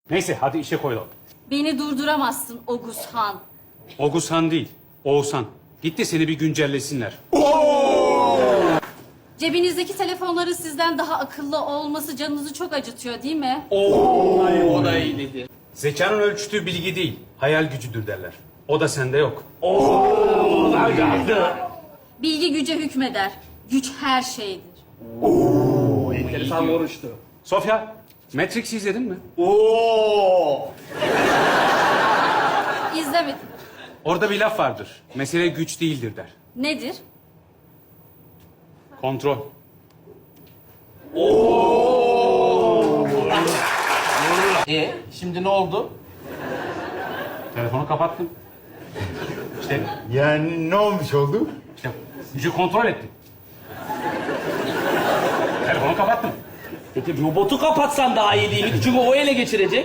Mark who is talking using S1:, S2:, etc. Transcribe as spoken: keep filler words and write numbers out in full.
S1: Neyse hadi işe koyulalım.
S2: Beni durduramazsın Oguzhan.
S1: Oğuzhan değil, Oğuzhan. Git de seni bir güncellesinler.
S2: Cebinizdeki telefonların sizden daha akıllı olması canınızı çok acıtıyor değil mi?
S3: O da iyi dedi.
S1: Zekanın ölçtüğü bilgi değil, hayal gücüdür derler. O da sende yok.
S2: Bilgi güce hükmeder. Güç her şeydir.
S3: Enteresan konuştu.
S1: Sofya, Matrix'i izledin mi?
S3: Oo.
S2: İzlemedim.
S1: Orada bir laf vardır. Mesele güç değildir der.
S2: Nedir?
S1: Kontrol.
S3: E şimdi ne oldu?
S1: Telefonu kapattın. İşte,
S4: Yani ne olmuş oldu?
S1: işte gücü kontrol ettin. Telefonu kapattın.
S3: Peki robotu kapatsan daha iyi değil mi? Çünkü o ele geçirecek.